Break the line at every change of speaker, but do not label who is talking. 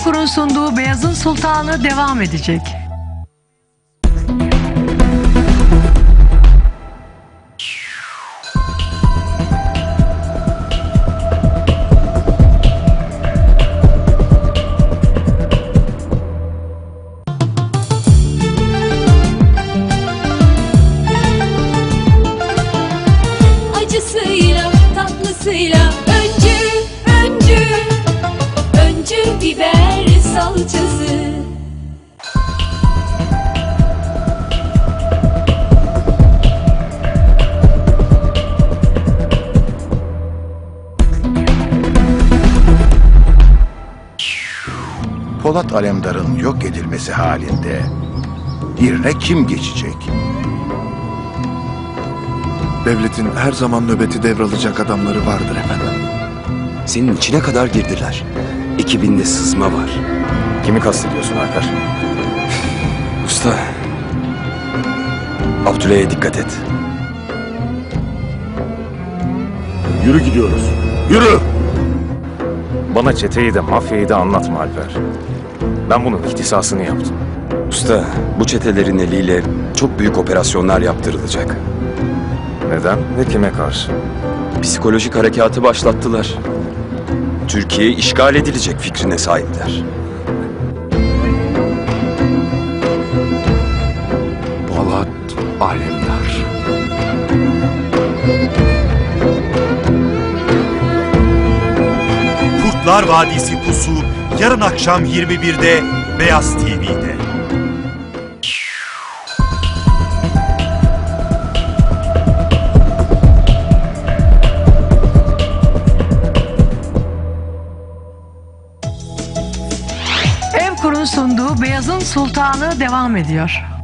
Evkur'un sunduğu Beyazın Sultanı devam edecek.
Acısıyla, tatlısıyla öncü biber salçası.
Polat Alemdar'ın yok edilmesi halinde yerine kim geçecek?
Devletin her zaman nöbeti devralacak adamları vardır efendim.
Senin içine kadar girdiler. Ekibinde sızma var.
Kimi kastediyorsun Alper?
Usta, Abdüley'e dikkat et.
Yürü gidiyoruz. Yürü! Bana çeteyi de mafyayı da anlatma Alper. Ben bunun ihtisasını yaptım.
Usta, bu çetelerin eliyle çok büyük operasyonlar yaptırılacak.
Neden ve kime karşı?
Psikolojik harekatı başlattılar. Türkiye işgal edilecek fikrine sahipler.
Polat Alemdar.
Kurtlar Vadisi Pusu yarın akşam 21'de Beyaz TV'de.
Evkur'un sunduğu Beyazın Sultanı devam ediyor.